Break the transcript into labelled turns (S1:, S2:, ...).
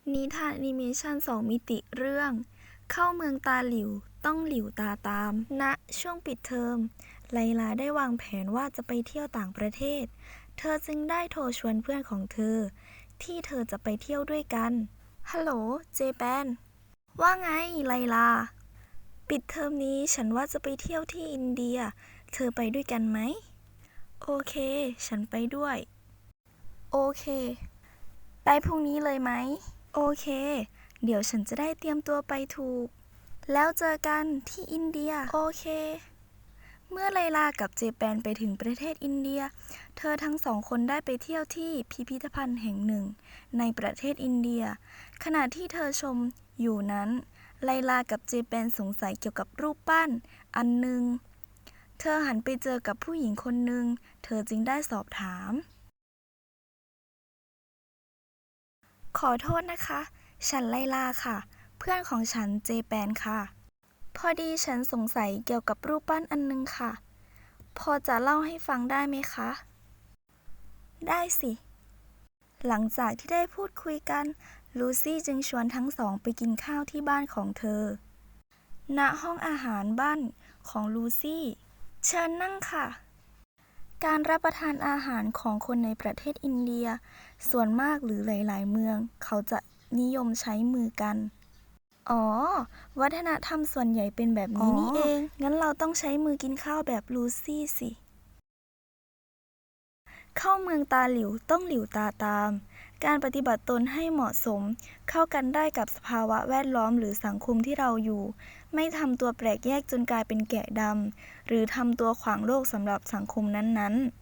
S1: นิทานแอนิเมชัน2 มิติเรื่อง เข้าเมืองตาหลิวต้องหลิวตาตาม ณ ช่วงปิดเทอม ไลลาได้วางแผนว่าจะไปเที่ยวต่างประเทศ เธอจึงได้โทรชวนเพื่อนของเธอ ที่เธอจะไปเที่ยวด้วยกัน ฮัลโหล เจแปน ว่าไง ไลลา ปิดเทอมนี้ฉันว่าจะไปเที่ยวที่อินเดีย เธอไปด้วยกันไหม โอเค ฉันไปด้วย โอเค ไปพรุ่งนี้เลยไหม โอเค เดี๋ยวฉันจะได้เตรียมตัวไปถูก แล้วเจอกันที่อินเดีย โอเค เมื่อไลลากับเจแปนไปถึงประเทศอินเดีย เธอทั้งสองคนได้ไปเที่ยวที่พิพิธภัณฑ์แห่งหนึ่งในประเทศอินเดีย ขณะที่เธอชมอยู่นั้น ไลลากับเจแปนสงสัยเกี่ยวกับรูปปั้นอันหนึ่ง เธอหันไปเจอกับผู้หญิงคนหนึ่ง เธอจึงได้สอบถาม ขอโทษนะคะ ฉันไลลาค่ะ เพื่อนของฉันเจแปนค่ะ พอดีฉันสงสัยเกี่ยวกับรูปปั้นอันนึงค่ะ พอจะเล่าให้ฟังได้ไหมคะ ได้สิ หลังจากที่ได้พูดคุยกัน ลูซี่จึงชวนทั้งสองไปกินข้าวที่บ้านของเธอ ณ ห้องอาหารบ้านของลูซี่ เชิญนั่งค่ะ การรับประทานอาหารของคนในประเทศอินเดีย ส่วนมากหรือหลายๆเมือง เขาจะนิยมใช้มือกัน อ๋อ วัฒนธรรมส่วนใหญ่เป็นแบบนี้นี่เอง งั้นเราต้องใช้มือกินข้าวแบบลูซี่สิ เข้าเมืองตาหลิวต้องหลิวตาตาม การปฏิบัติตนให้เหมาะสม เข้ากันได้กับสภาวะแวดล้อมหรือสังคมที่เราอยู่ ไม่ทำตัวแปลกแยกจนกลายเป็นแกะดำ หรือทำตัวขวางโลกสำหรับสังคมนั้นๆ